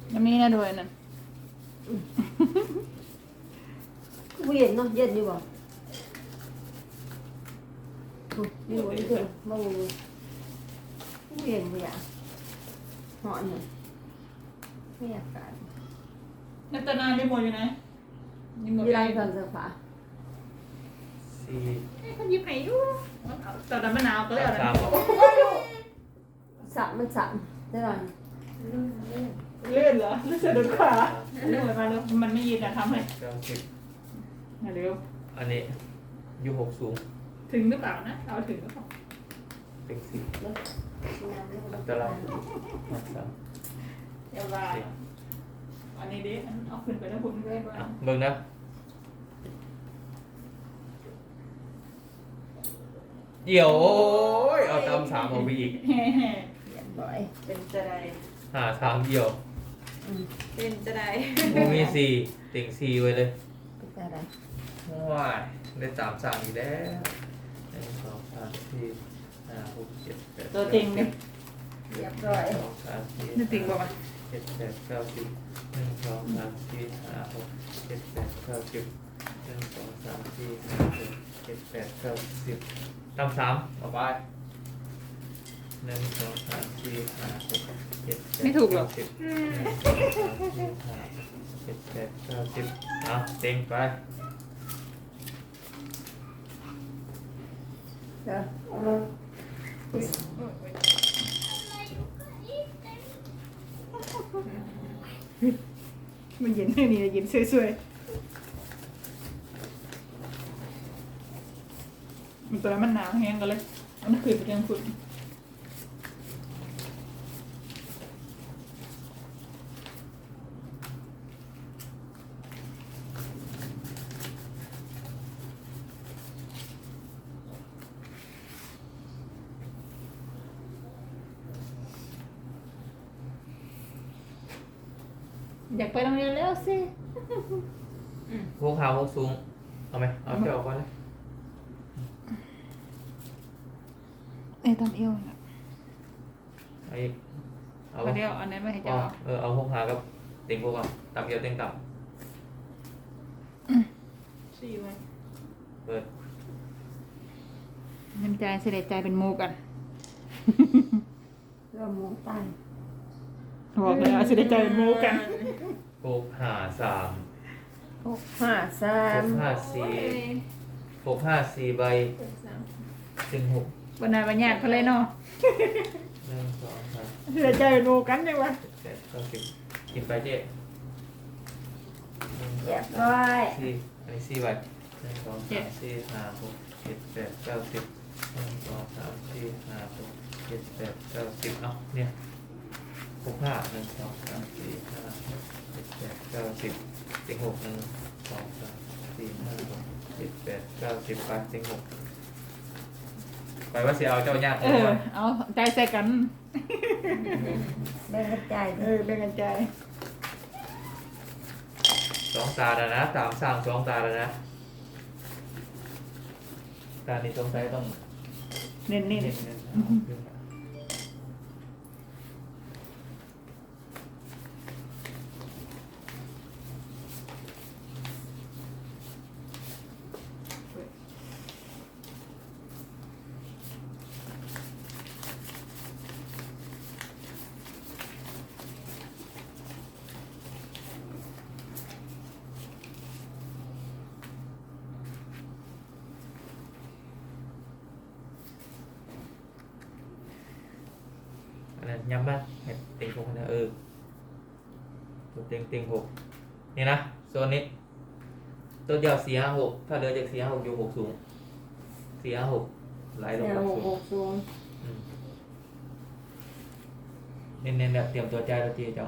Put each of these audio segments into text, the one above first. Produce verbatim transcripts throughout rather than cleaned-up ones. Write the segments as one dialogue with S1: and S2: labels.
S1: ยังมีนะด้วยนั่น
S2: กูเย็นเนาะเย็นอยู่บ่อยู่บ่นี่เถอะบ่กูเย็นบ่อยากเหาะเนี่ยไม่อยากการ
S1: นัตนาได้หมดอยู่นะยังหมด
S2: ยี่
S1: ไป
S2: ไรเครื่องซักผ้า
S3: สี่
S1: เขายิบให้อยู่ตอนนั้นมะนาวก็เลยเอา
S3: สาม
S1: แล้ว
S3: บอก
S2: สามมันสามได้หรอ
S1: เลื่อนเหรอเลื่อนสะดุดขาเลื่อนมาแล้วมันไม่ยืนอะทำให้
S3: เก้าสิบ
S1: มาเร็ว
S3: อันนี้ยูหกสูง
S1: ถึงหรือเปล่านะเอาถึงหรือเปล่า
S3: เป็นสิบตารางมาสาม
S1: เดี๋ยวว่าอันนี้ดิเอาขึ้นไปแล้วคุณเล่นว่า
S3: อ่ะเบิ่งนะเดี๋ยวโอ้ยเอาตามสามเอาไปอีก
S1: แฮ่แฮ่
S2: เรียบร้อย
S1: เป็นจะได้
S3: หาสามเดียว
S1: เป็นจะได้
S3: โมมีสี่ติ่งสี่ไว้เลย
S2: เป็นอะไร
S3: ว้ายได้สามสามอีกแล้วหนึ่งสองสามสี่ห้าหกเจ็ดแปด
S1: ตัวจริงเนี่ย
S2: เรียบร้อย
S3: สองสามสี่
S1: นี่จริงป่ะวะ
S3: เจ็ดแปดเก้าสิบหนึ่งสองสามสี่ห้าหกเจ็ดแปดเก้าสิบหนึ่งสองสามสี่ห้าหกเจ็ดแปดเก้าสิบตามสามเอาไปหนึ่งสองสามสี่ห้าหกเจ็ดแปดเก้าสิบหนึ่งสองสามสี่ห้าเจ็ดแปดเก้าสิบเอาเต็งไป
S2: เดี๋ยว
S1: มันเย็นแค่นี้เย็นสวยๆมันตัวนั้นมันหนาวแห้งกันเลยมันขึ้นไปยังฝุ่นอยากไปโรงเรียนแล้วสิ
S3: พวกขาวพวกสูงเอาไหมเอาเจ้าก่อนเลย
S1: เอ้ตามเอวนะ
S3: เอาอีกเอา
S1: เอาเดียวอันนั้นไม่ให้
S3: อ๋อ
S1: เจ้า
S3: เออเอาพวกหากับเต็งพวกก่อนต่ำเดียวเต็งต่
S1: สี่ไว้
S3: ำเปิด
S1: น้ำใจเสด็จใจเป็นหมูกัน
S2: เริ่มมองใต้
S1: บอกเลยว่าเสด็จใจเป็นหมูกัน
S3: หกหาสาม
S2: หกห้าสา
S3: ห
S2: ม
S3: กห้าสี่หกห้าสี่ใบถึงหก
S1: วันนั้นวันญาติเขาเลยเนาะ
S3: หนึ่งสองสาม
S1: เสด็จใจเป็นหมูกันยังวะ
S3: เจ็ดแปดเก้าสิบกินไปเจ๊หนึ่งส
S2: เรี
S3: อย ง
S2: บ
S3: สาม
S2: ร้อย
S3: สี่อันนี้สี่ใบหนึ่งสองสามสี่ห้าหกเจ็ดแปดเก้าสิบหนึ่งสองสามสี่ห้าหกเจ็ดแปดเก้าสิบเอาเนี่ยหกห้าหนึ่งสองสามสี่ห้าหกเจ็ดแปดเก้าสิบเต็งหกหนึ่งสองสามสี่ห้าหกเจ็ดแปดเก้าสิบไปเต็งหกไปว่าเสียเอาเจ้ายาก
S1: เออเอาใจใส่กัน
S2: แบ่งกระจาย
S1: เออเป็นกันใจ
S3: สองตาแล้วนะสามสามสองตาแล้วนะตานี้สงสัยต้อง
S1: เน้น
S3: เน้น
S1: ๆ
S3: เน้นเอาขึ้นมา อันนั้นย้ำบ้างเห็นเต็งหกนะเออตัวเต็งเต็งหกนี่นะโซนนี้ตัวเดียวสี่ห้าหกถ้าเหลือจากสี่ห้าหกอยู่หกสูงสี่ห้าหกไหลลง
S2: แน
S3: ห
S2: ว
S3: ก
S2: ห
S3: สูง
S2: กสูง
S3: อืมเน้นๆแบบเตรียมตัวใจายตัวจีเจ้า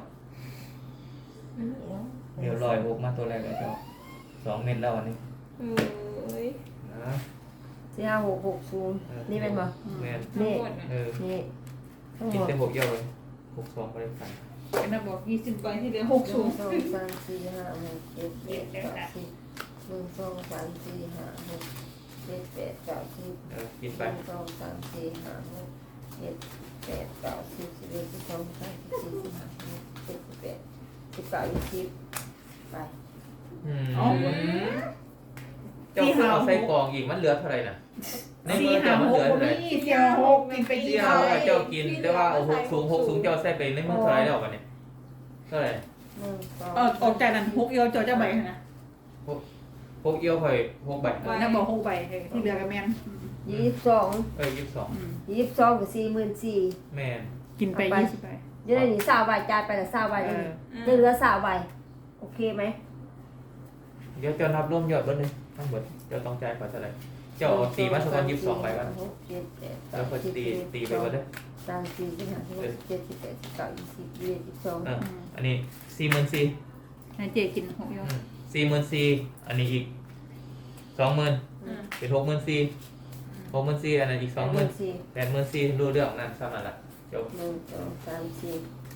S3: เดี๋ยวลอยหกมาตัวแรกเลยเจ้าสองเม็ดแล้วอันนี้
S1: เอ้ย
S3: นะ
S2: สี่ห้าหกหกสูง
S3: ออ
S2: นี่เป็นบ่
S3: แม่น
S1: ทั้งหมดนะ
S3: เออ
S2: นี่ทั้งห
S3: กิ
S2: ม
S3: น
S2: ด
S3: เต็มหกเยี่ยวเลยหกสองไปเลยกัน
S1: เป็นระบอกยี่สิบใบที่เหลือหก
S2: ห
S1: สู
S2: นึ่
S1: ง
S2: งสองสามสี่ห้าหกเจ็ดแปดเก้าสิบหนึ่งสองสามสี่ห้าหกเจ็ดแปดเก้าสิบ
S3: เออกิน
S2: ห
S3: ไป
S2: นึ่งสองสามสี่ห้าหกเจ็ดแปดเก้าสิบสิบเอ็ดสิบสองสิบสามสิบสี่สิบห้าสิบหกสิบเจ็ดสิบแปดเก้ายี่สิบไป
S3: อืม
S1: เอา
S3: เจ้าคือเอาใส่กล่องอีกมันเหลือเท่าไหร่น่ะในมื
S1: สี่
S3: อ
S1: ห้า
S3: เจ้ามัน
S1: ห
S3: เห
S1: ก
S3: ลือ
S1: วั
S3: เท่าน ไหร่
S1: นี้สี่ห้าหกกินไป
S3: ที่
S1: ยี่
S3: เอา
S1: สิบ
S3: ให้เจ้ากินแต่ว่าเอาหกสูงหกสูงเจ้าใส่ไปในมือเท่าไหร่แล้วกันเนี่ยเท่าไหร่
S2: หนึ่งสอง
S1: เออออกจากนั้นหกเอียวเจอเจ้าใบนะ
S3: หกเอี้ยวค่อยหกใบ
S1: เออนั่นบอกหกใบที่เหลือกับแมน
S2: ยี่สิบสอง
S3: เอ้ยยี่สิบสอง
S2: ยี่สิบสองกับสี่หมื่นสี่
S3: แม่น
S1: กินไปยี่สิบใบ
S2: จะได้หนีสาวใบจ่ายไปละสาวใบ
S1: เอ
S2: เลย
S1: อ
S2: จะเหลือสาวใบโอเคไหม
S3: เดี๋ยวเจ้านับร่วมยอดเบิ้ลเลยทั้งหมดเจ้าต้องจ่ายก่อนเท่าไหร่เจ้าเอาตีมาสักวันยี่สิบสองใบก่อน
S2: หกเจ็ดแปด
S3: แล้วก็ตีตีไปก่อนเลย
S2: สามสี่สิบห้าสิบหกสิบเจ็ดสิบแปดสิบเก้ายี่สิบยี่สิบสอง
S3: เอออันนี้สี่หมื่นสี่
S1: ให้เจกินหกเอียว
S3: สี่หมื่นสี่อันนี้อีกสองหมื่นเป็นหกหมื่นสี่หกหมื่นสี่อันนั้นอีกสองหมื่น
S2: สี่
S3: แปดหมื่นสี่รู้เรื่องนั่นซ้ำนั่นแหละจบ
S2: หนึ่งสองสามสี่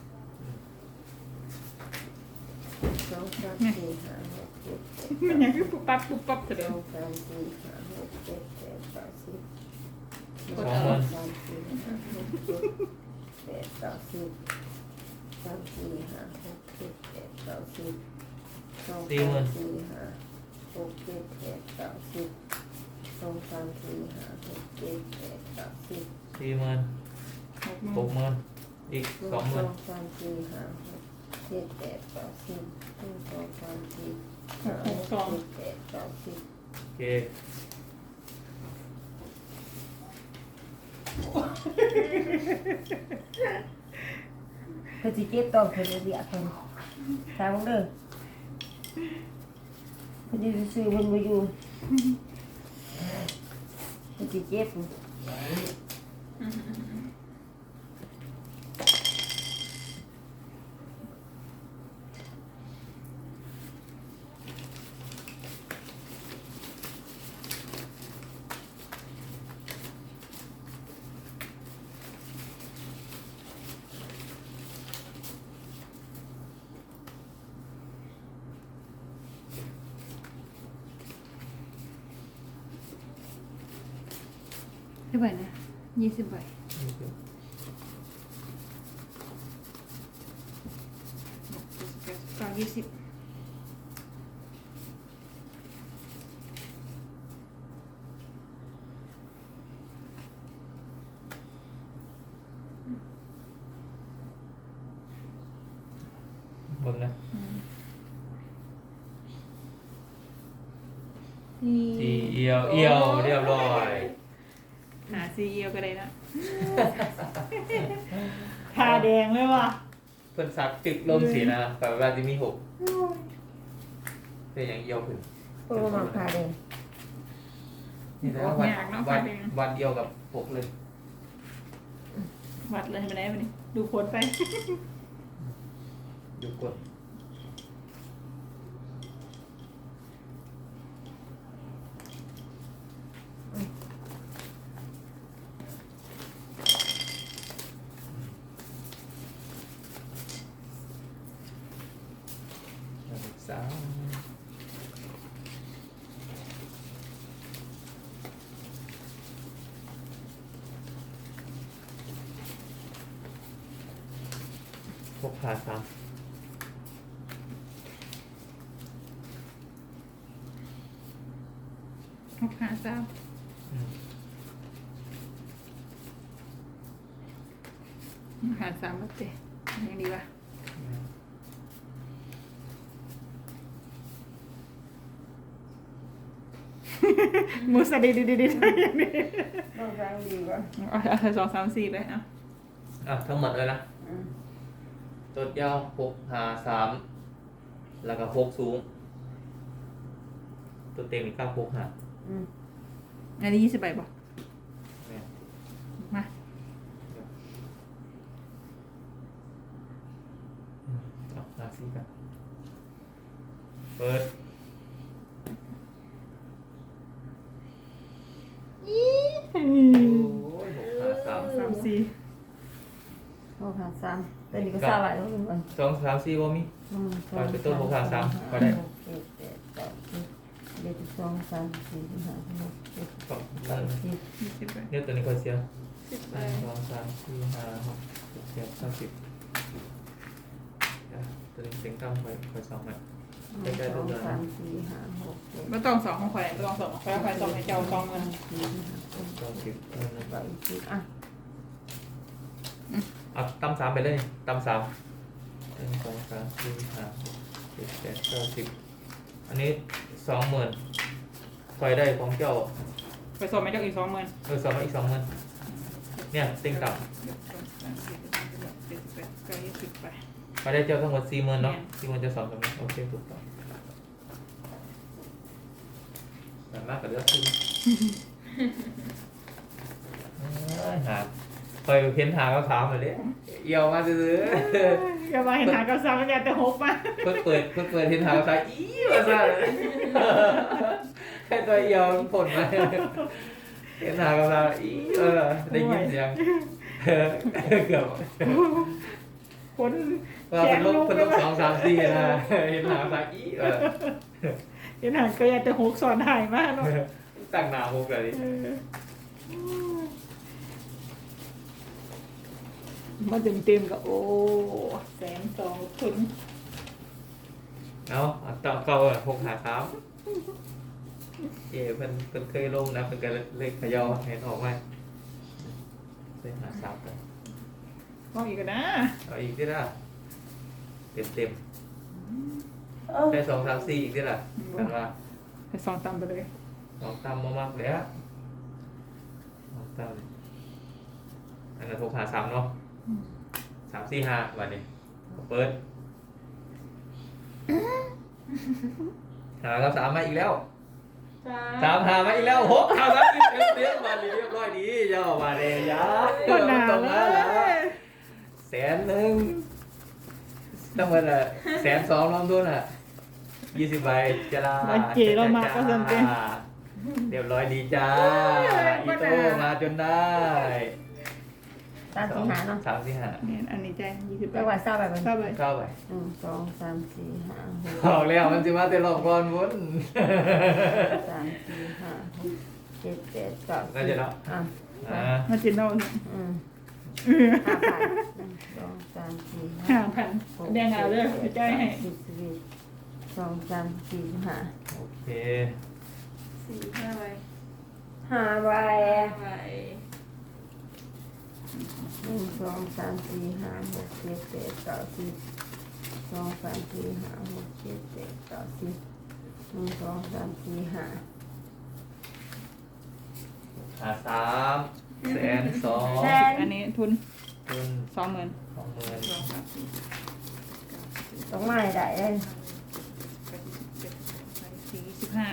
S2: สองสามสี่ห้าหกเจ็ดแปด
S1: มันยังคือปุ๊บปั๊บปุ๊บปั๊บเถอะ
S2: ส
S1: เดีย
S2: อ
S1: ว
S2: งสามสี่ห้าหกเจ็ดแปดเก้าสิบ
S3: สองหมื่น
S2: สามสี่ห้าหกเจ็ดแปดเก้าสิบสามสี่ห้าหกเจ็ดแปดเก้าสิบสองสามสี่ห้าหกเจ็ดแปดเก้าสิบสองสามสี่ห้าหกเจ็ดแปดเก้าสิบ
S3: สี่หมื่น
S1: หกหมื่
S3: หก
S1: น
S3: หมื่นอีก
S2: หนึ่ง
S3: สองหมื่น
S2: สามสี่ห้าหกเจ็ดแปดเก้าสิบหนึ่งสองสามสี่ห้าหกเจ็ดแปดเก้าสิบ
S3: โอเค
S2: ก็สิเก็บต้องคนเดียวคนตามมึงเด้อคนที่ซื้อมันมาอยู่ก็สิเก็บ
S1: ได้ใบนะยี่สิบใบเก้ายี่สิบ
S3: หมดนะ
S2: สี่
S3: สี่เอียวเอียวเรียบร้อย
S1: หาซีเอียวก็ได้นะทาแดงเลยว่ะ
S3: เพิ่นสักตึกลมสีนะแต่ว่าจะมีหกเป็นอย่างเอียวขึ้น
S2: โอ้มาพาเลย
S3: นี่นะวันวันวันเดียวกับหกเลย
S1: วัดเลยไปไหนไปนี่ดูโพสไป
S3: ดูกดสามหกขาสาม
S1: หกหาสาม
S3: อืม
S1: หาสามแล้วเจ๊ยังดีป่ะมูสดีดีดีดีอย่างนี้
S2: ต้องการดีกว่า
S1: เอาเอาสองสามสี่เลยอ่ะ
S3: อ่ะทั้งหมดเลยนะ
S2: อืม
S3: ตัวยาวหกหาสามแล้วก็หกสูง ตัวเต็มอีกเก้าหกหา
S2: อืม
S1: อันนี้ยี่สิบใบป่ะ
S3: เนี่ย
S1: มา
S3: เอาหาสี่กันเปิด โอ้ยหกหาสาม
S1: สามสี่
S2: โอ้ค่ะสามแต่นี่ก็สามใบแล้วเป็นวัน
S3: สองสามสี่บ่มี
S2: หนึ่งสอง
S3: ไปเป็นต้นหกขาสามก็
S2: ก็
S3: ได้
S2: ได้เจ็ดแปดเก้าสิบเจ็ดสิบสองสามสี่สิบห้าสิบหกเจ็ดสิบ
S3: สอง
S2: แปดสิบ
S1: ยี่สิบใบ
S3: เนี่ยตัวนี้ก็เสีย
S1: สิบ
S3: ห
S1: ใบ
S3: นึ่งสองสามสี่ห้าหกเจ็ดแปดเก้าสิบเดี๋ยวตัวตัวนี้เต็งตั้มคอยคอยสองมัน
S2: หนึ่งสองสามสี่ห้าหกเจ็ด
S1: ไม่ต้องสองของข่อยไม่ต้องสองของข่อยข่อยสองให้เจ้าสองเงิน
S2: สี่ห้าหก
S3: เก้าสิบเออ
S2: แปดสิบอ่ะ
S3: เอาตั้มสามไปเลยตั้มสามหนึ่งสองสามสี่ห้าหกเจ็ดแปดเก้าสิบอันนี้สองหมื่นคอยได้ของเจ้า
S1: ไปสองไม่เจ้าอีกสองเงิน
S3: เออสองมาอีกสองหมื่นเนี่ยเต็งต่ำ
S1: เจ็ดแปดเก้ายี่สิบไป
S3: มาได้เจ้าทั้งหมดสี่หมื่นเนาะสี่หมื่นจะสองกับนี้โอเคถูกต้องแต่มากกว่าเลือกขึ้นหาคอยเพ้นหาก็ถามเลยดิเอี่ยวมาซื้อ
S1: อย่ามาเห็นหากับสามมันอย่าแต่หกมา
S3: เพิ่งเปิดเพิ่งเปิดเพ้นหาก็ถามอีมาซะแค่ตัวเอี่ยวผลมาเพ้นหาก็ถามอีเออได้ยินเสียงเกือบ
S1: คน
S3: ว่าเป็นลบเป็นลบสองสามสี่นะเห็นหาก็ถามอีเออ
S1: เห็นหาก็อย่าแต่หกสอนหายมากเนาะ
S3: ตั้งหน้าหกเลยดิ
S1: มาเต็มเต็มๆกับโอ้แสนสองคน
S3: เนาะต่อเก่าอะหกหาสามเย่เพิ่นเพิ่นเคยลงนะเพิ่นก็เลยเขย่าเห็นออกไหมเลยหาสามกัน
S1: มองอีกกันนะ
S3: เอาอีกที่ละเต็มเต็ม
S2: เออ
S3: ได้สองสามสี่อีกที่ละกันว่า
S1: ให้สองตามไปเลย
S3: สองตามมามากแล้วสองตามอันนั้นหกหาสามเนาะสามสี่ห้าวันนี้เปิดหากับสามมาอีกแล้วสามหามาอีกแล้วหกหาสามอีกเต็มเต็มมาเรียบร้อยดีย่อมาเลยยา
S1: ก็หนา
S3: ตรง
S1: เล
S3: นั้นแหละ
S1: ย
S3: แสนหนึ่งต้องเป็นอะแสนสองรวมทุนอ่ะยี่สิบใบจะลา
S1: มาเจเรามาก็สนใจ
S3: เรียบร้อยดีจ้าอีโต้มาจนได้
S2: ตามสี่หาเนาะ
S3: สามสี่ห้า
S1: เนี่ยอันนี้ใจยี่สิบแป
S2: แล้
S1: ด
S2: วว่าเศร้าแบบมัน
S1: เข้าไป
S3: เข้าไป
S2: หนึ่งสองสามสี่ห้าหก
S3: บอกแล้วมันจะมาแต่หลอกก่อนวุ้น
S2: สามสี่ห้าหกเจ็ดแปดเก้า
S3: น่าจะเนาะ
S2: อ่ะ
S3: อ่า
S1: มาจินเราเนี่ย
S2: อืม
S1: เออ
S2: ห้าพันหนึ่งสองสามสี่
S1: ห้า
S2: ห้า
S1: พันแดงเอาเลยใจให้
S2: สิบสิบเอ็ดสองสามสี่ห้า
S3: โอเค
S4: สี่ห้าใบ
S2: ห้าใบ
S4: ใบ
S2: หนึ่งสองสามสี่ห้าหกเจ็ดแปดเก้าสิบสองสามสี่ห้าหกเจ็ดแปดเก้าสิบหนึ่งสองสามสี่ห้า
S3: หาสามแสนสอง
S2: แสน
S1: อันนี้ทุน
S3: ทุน
S1: สองหมื่น
S3: สองหมื่น
S1: สองสามสี่
S2: ต้องไม่ได้เลย
S1: แปดสิบเจ็ดแปดสิบสี่สิบห้า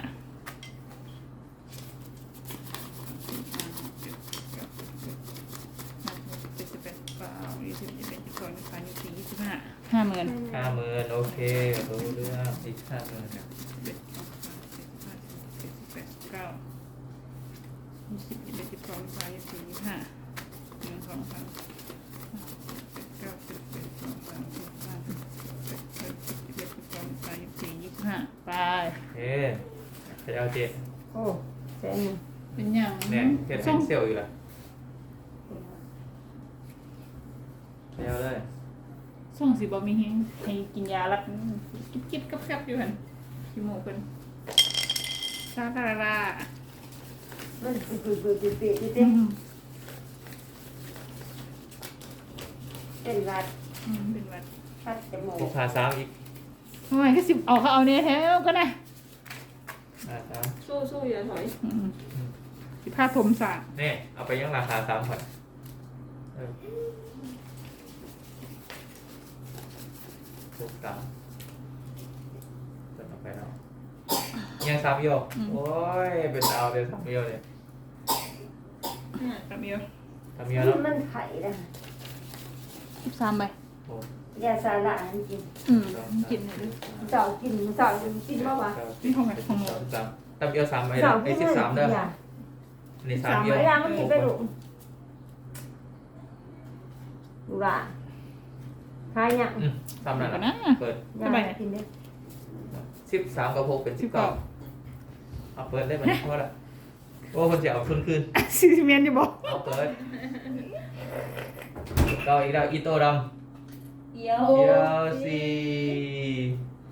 S1: เจ็ดสิบแปดเก้ายี่สิบยี่สิบเอ็ดยี่สิบสองยี่สิบสามยี่สิบสี่ยี่สิบห้าห้าหมื่น
S3: ห้าหมื่นโอเครู้เรื่องอีกห้าหมื่น
S1: สิบเอ็ดสองสามสี่ห้าหกเจ็ดแปดเก้ายี่สิบยี่สิบเอ็ดยี่สิบสองยี่สิบสามยี่สิบสี่ยี่สิบห้าหนึ่งสองสามเก้าสิบเอ็ดสองสามสี่ห้าหกเจ็ดแปดเก้าสิบสิบเอ็ดสิบสองยี่สิบสามยี่สิบสี่ยี่สิบห้าไป
S3: เฮ้ขยาวเจ็ด
S2: โอ้แสนหนึ่ง
S1: เป็นอย่าง
S3: เนี่ยเห็น
S1: ส่
S3: เป็
S1: ง
S3: นเซลล์อยู่ละขยาวเลย
S1: ส่งสิบ่มีเฮงให้กินยาลัดกิ๊บกิ๊บกับแคบอยู่หันขี้หมูเพิ่นซาลาลา
S2: มันปุยปุยปุยปุยปุยปุย
S1: อืม
S2: เป็นวัด
S1: อืมเป็นวัด
S2: พัดจมู
S3: ห
S2: ก
S3: กหาสามอีก
S1: ทำไมก็สิบเอาเขาเอาเนี่ยแท้ก็ได้
S3: หาสาม
S4: สู้สู้อย่าถอย
S1: อืมสิผ้าผมสาด
S3: เนี่ยเอาไปยังราคาสามพันเออถูกสามเติมออกไปแล้วยังสามโยโอ้ยเป็นดาวเลยสามโยเลย
S1: ตามเดียว
S3: สามโยแล้ว
S2: มันไข่นะ
S1: สิบสามใบ
S3: โอ้
S2: ยาสาระอันกิน
S1: อืมกินเลยดิ
S2: เจ้ากินเจ้ากินบ้างวะ
S1: นี่ของไหนของหนู
S3: สามสามสามโยสามไอ้
S2: เจ้า
S3: ไอ้
S2: กิน
S3: สิบ
S2: เลย
S3: สามเด้อ
S2: อย่า
S3: นี่สามโย
S2: เวลามันกินไปหลุมดูละทายยัง
S3: อืมสามนั่น
S1: กัน
S3: น่ะ
S1: นะ
S3: เปิด
S2: อย่ากินเลย
S3: สิบสามกับหกเป็นสิบเก้าเอาเปิดได้ไหมเพราะละโอ้คนจะเอาทุนคืน
S1: ซีเมนต์อยู่บอก
S3: เอาเปิดเก้าอีกแล้วอีโต้ดำ
S4: เดี๋ยว
S3: เดียวสี่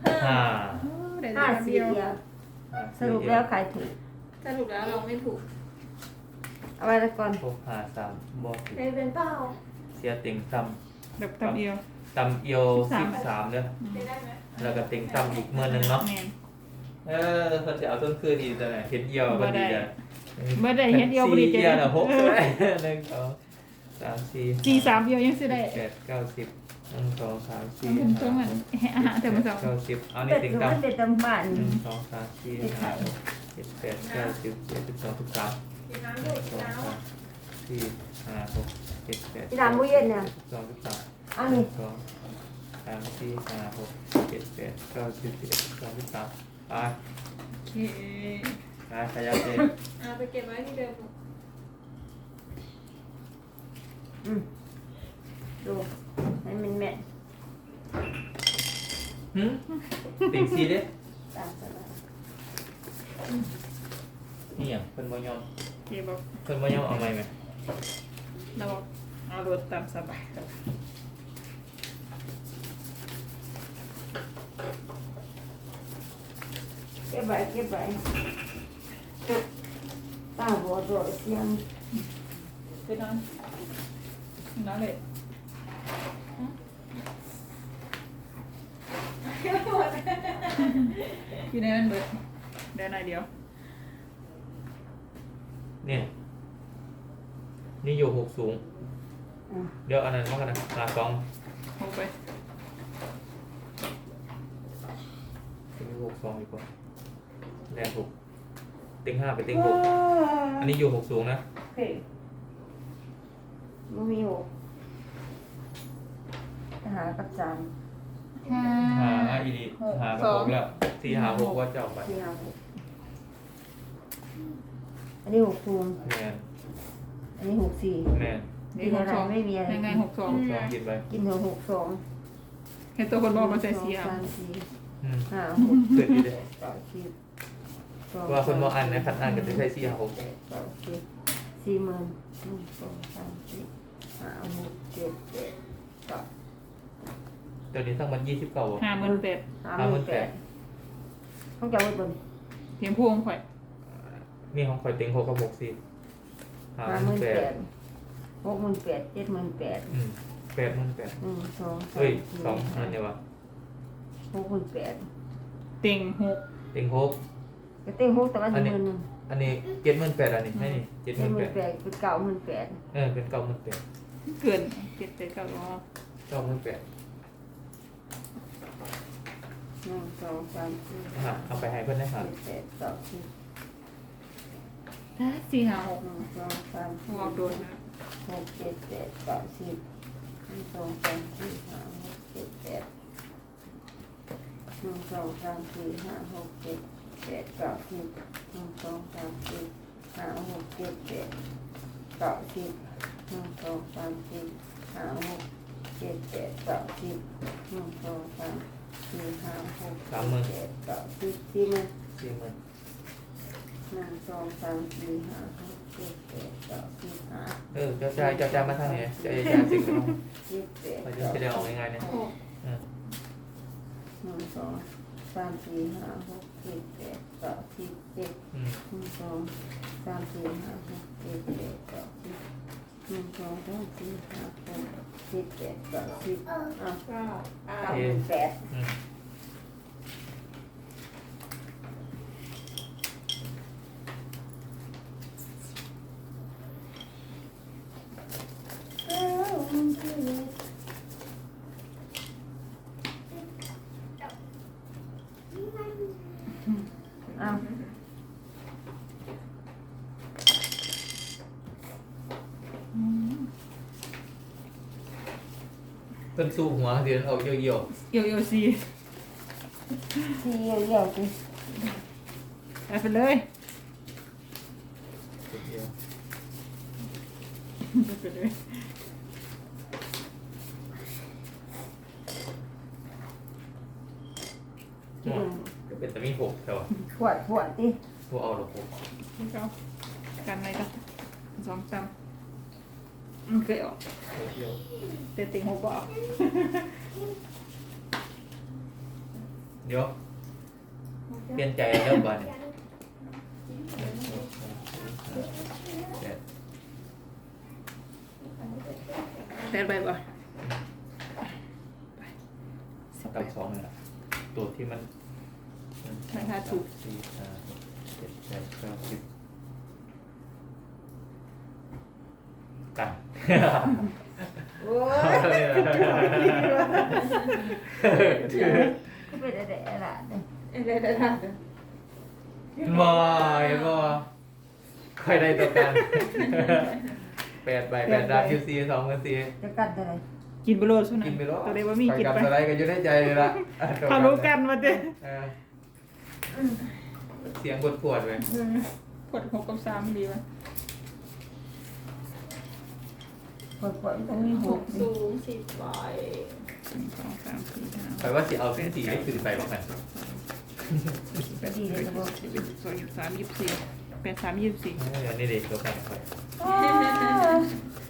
S3: ห้า
S1: โอ้ได้
S2: ห้า
S1: แต่
S2: สี่
S1: เดียว
S2: เดียว
S3: ห้า
S2: สรุปแล้วใครถูก
S4: สรุปแล้วเราไม่ถูก
S2: เอาไว้แล้วก่อน
S3: หกห้าสามบอถูก
S4: เป็นเป็นเปล่า
S3: เสียติ่งต
S1: แบบตำเอียว
S3: ำตำเอียวสิบสามเด้อ
S4: ได้ได้ไหม
S3: แล้วก็ติ่งตำอีกเมื่อหนึงเนาะ
S1: แม่น
S3: เออเขาจะเอาต้นคืนอีกแต่ไหนเห็นเอียวพอดีเลย
S1: บ่ได้เฮ็ดเอียวบ่ดี
S3: สี่
S1: ใจ
S3: เอียวนะหกก็ได้หนึ่งสองสามสี่
S1: จีสามเอียวยังสิได้
S3: แปดเก้าสิบหนึ่งสองสามสี่
S1: มันตรงนั้นอาหารแต่มื้อเช้า
S3: เก้าสิบเอานี่
S2: เป็ด
S3: ติ่ง
S2: ก็
S3: ตำ
S2: มันเป็นตำบ้าน
S3: หนึ่งสองสามสี่ห้าหกเจ็ดแปดเก้าสิบเจ็ดสิบสองสิบสาม
S4: กินน้ำ
S3: ห
S4: ด้ว
S3: นึ่
S4: ย
S3: ง
S4: กิ
S3: ส
S4: น
S3: อง
S4: น้
S3: สามสี่ห้าหกเจ็ดแปด
S2: ที่ร้านมื้อเย็นเนี่ย
S3: สิบสองสิบสาม
S2: เอา
S3: หนึ่
S2: นี่
S3: งสองสามสี่ห้าหกเจ็ดแปดเก้าสิบสิบเอ็ดสิบสองสิบสามไป
S1: โอเค
S3: ไปขยับเลย
S4: ำเอาไปเก็บไว้ที่เดิม
S2: อืมดูให้มันแม่น
S3: หืมติ่งซีเด้
S2: ตามสบาย
S3: นี่อย่างเพิ่นบ่ยอม
S1: โอเคบอก
S3: เพิ่นบ่ยอมเอาไหมไหม
S1: เราบอกเอารถตามสบาย
S2: เก็บไว้เก็บไว้ตาบัวโดดเสียง
S1: ไปนอนนอนเลยอยู่ในนั้นเบิดเดี๋ยวหน่อยเดียว
S3: เนี่ยนี่อยู่หกสูง
S2: อ่ะ
S3: เดี๋ยวอันนั้นมากันนะหาสอง
S1: ลงไป
S3: ติ่งหกสองดีกว่าแรงหกติ่งห้าไปติ่งหกอันนี้อยู่หกสูงนะ
S2: โอเคมันมีหกหากับจาน
S1: ห้า
S3: หาหาอีดีหากับหกแล้วสี่หาหกว่าจะเอาไป
S2: ที่หาหกอันนี้หกคูณ
S3: แมน
S2: อันนี้หกสี่
S3: แมน
S1: นี่หกสอง
S2: ไม่มีอะไร
S1: ยังไงหกสอง
S3: สองกินไป
S2: กินหัวหกสอง
S1: เห็นตัวคนบอกมาใส่เสีย
S2: สามสี่
S3: อืม
S2: ห้าหก
S3: เกิดดีเลย
S2: เก้าสิบสอง
S3: ว่าคนบ่อ่านนะคัดอ่านก็จะใช้สี่หก
S2: เจ็ดเก้าสิบสี่หมื่นหนึ่งสองสามสี่ห้าหกเจ็ดแปดเก้า
S3: เดี๋ยวนี้ทั้งมันยี่สิบเก้า
S1: ห้าหมื่นแปด
S2: ห้าหมื่นแปดต้องจ่ายไว้บน
S1: เพียงพวงข่อย
S3: นี่ของข่อยเต็งหกกับหกสี่หา
S2: ห้าห
S3: ห
S2: มื่
S3: มื่
S2: น
S3: นแป
S2: แป
S3: ด
S2: ดหกหมื่นแปดเจ็ดหมื่นแปด
S3: อืมแปดหมื่นแปด
S2: หนึ่งสองสาม
S3: เฮ้ย
S2: สี่
S3: สองอันเดียววะ
S2: หกหมื่นแปด
S1: เต็งหก
S3: เต็งหก
S2: ก็เต็งหกแต่ว่าหนึ่งหมื่นหนึ่ง
S3: อันนี้เจ็ดหมื่นแปดอันนี้ให้นี่เจ็ดห
S2: เจ็ด
S3: มื่น
S2: ห
S3: แป
S2: มื่น
S3: ด
S2: แปดเป็นเก้าหมื่นแปด
S3: เออเป็นเก้าหมื่นแปด
S1: เกินเจ็ดเจ็ดเก้าอ๋อ
S3: เก้าหมื่นแปด
S2: หนึ่งสองสามสี่
S3: ฮะเอาไปให้เพื่อนได้ค่ะ
S2: เจ็ดแปดเก้าสิบ
S1: สี่ห้าหก
S2: หนึ่งสองสามสี่
S1: วางโดนนะ
S2: หกเจ็ดแปดเก้าสิบหนึ่งสองสามสี่ห้าหกเจ็ดแปดหนึ่งสองสามสี่ห้าหกเจ็ดแปดเก้าสิบหนึ่งสองสามสี่ห้าหกเจ็ดแปดเก้าสิบหนึ่งสองสามสี่ห้าหกเจ็ดแปดเก้าสิบหนึ่งสองสามสี่ห้าหกเจ็ดแปดเก้าสิบสี่หมื่น
S3: สี่หมื่น
S2: หนึ่งสองสามสี่ห้าหกเจ็ดแปดเก้าสิบห้า
S3: เออเจ้าจ่ายเจ้าจ่ายมาทางไหนเจ้าจ่ายสิ่งของ
S2: เจ็ดแปด
S3: เราจะ
S2: เก้า
S3: แสด
S2: สิ
S3: ง
S2: บ
S3: ออกยังไงเนี่ยเออ
S2: หนึ่งสองสามสี่ห้าหกเจ็ดแปดเก้าสิบเจ็ด
S3: อืม
S2: หนึ่งสองสามสี่ห้าหกเจ็ดแปดเก้าสิบหนึ่งสองสามสี่ห้าหกเจ็ดแปดเก้าสิบอ่ะ
S4: เก้าเก้า
S2: เก้าหมื่นแปด
S3: อืม
S2: เก้าหมื่นแปดอ่ะ
S3: เพิ่นสู้หัวเดือนออกเยี่ยว
S1: เอียวเอียวสี่
S2: สี่เอี่ยวๆสิ
S1: ไปไปเลย
S3: ๆเยี่ยว
S1: ไปไปเลย
S2: อืม
S3: ก็เป็นแต่มีหกแถว
S2: ขวดขวดดิ
S3: พวกเอาหรอกหก
S1: นี่เขากันอะไรกันสองสามอืมเคยออก
S3: หกเยี่ยว
S1: แต่เต็งหกก็ออก
S3: หเดี๋ยวเปลี่ยนใจเริ่มก่อนเนี่ยแปด
S1: แปดใบบ่
S3: กับสองเลยละตัวที่มันสี่ห้าหกเจ็ดแปดเก้าสิบกัน
S2: โอ้ยก็เป็นอะไรล่ะเนี่ย
S4: เอ้ยได้ได้ได้
S3: บอยบอยใครได้ตัวกันแปดใบแปดดาวยูซีสองกันซี
S2: จะกัดอะไร
S1: กินไปโลดสุนั
S3: กินไปแล้ว
S1: ตัวเล็กว่ามีกิน
S3: กับ
S1: ไป
S3: อะไรกันอยู่ในใจเลยละอ่ะตัว
S1: เขารู้กันมาเด้
S3: เออเสียงปวดปวดๆเลย
S1: กดหกกับสามดีป่ะ
S2: ปวดปวดต้องมี
S4: ห
S2: ห
S4: ก
S2: ก
S4: สูงสิบใบ
S1: หนึ่งสองสามสี่ห้า
S3: แปลว่าสิเอาเส้นสีให้ตื่นไปบ้างกัน
S2: ก็ดีเลยนะบอก
S1: สิบเอ็ดสิบสองยี่สิบสามยี่สิบสี่แปดสามยี่สิบสี่
S3: เออนี่เด็กตัวกันไป
S2: อ้าว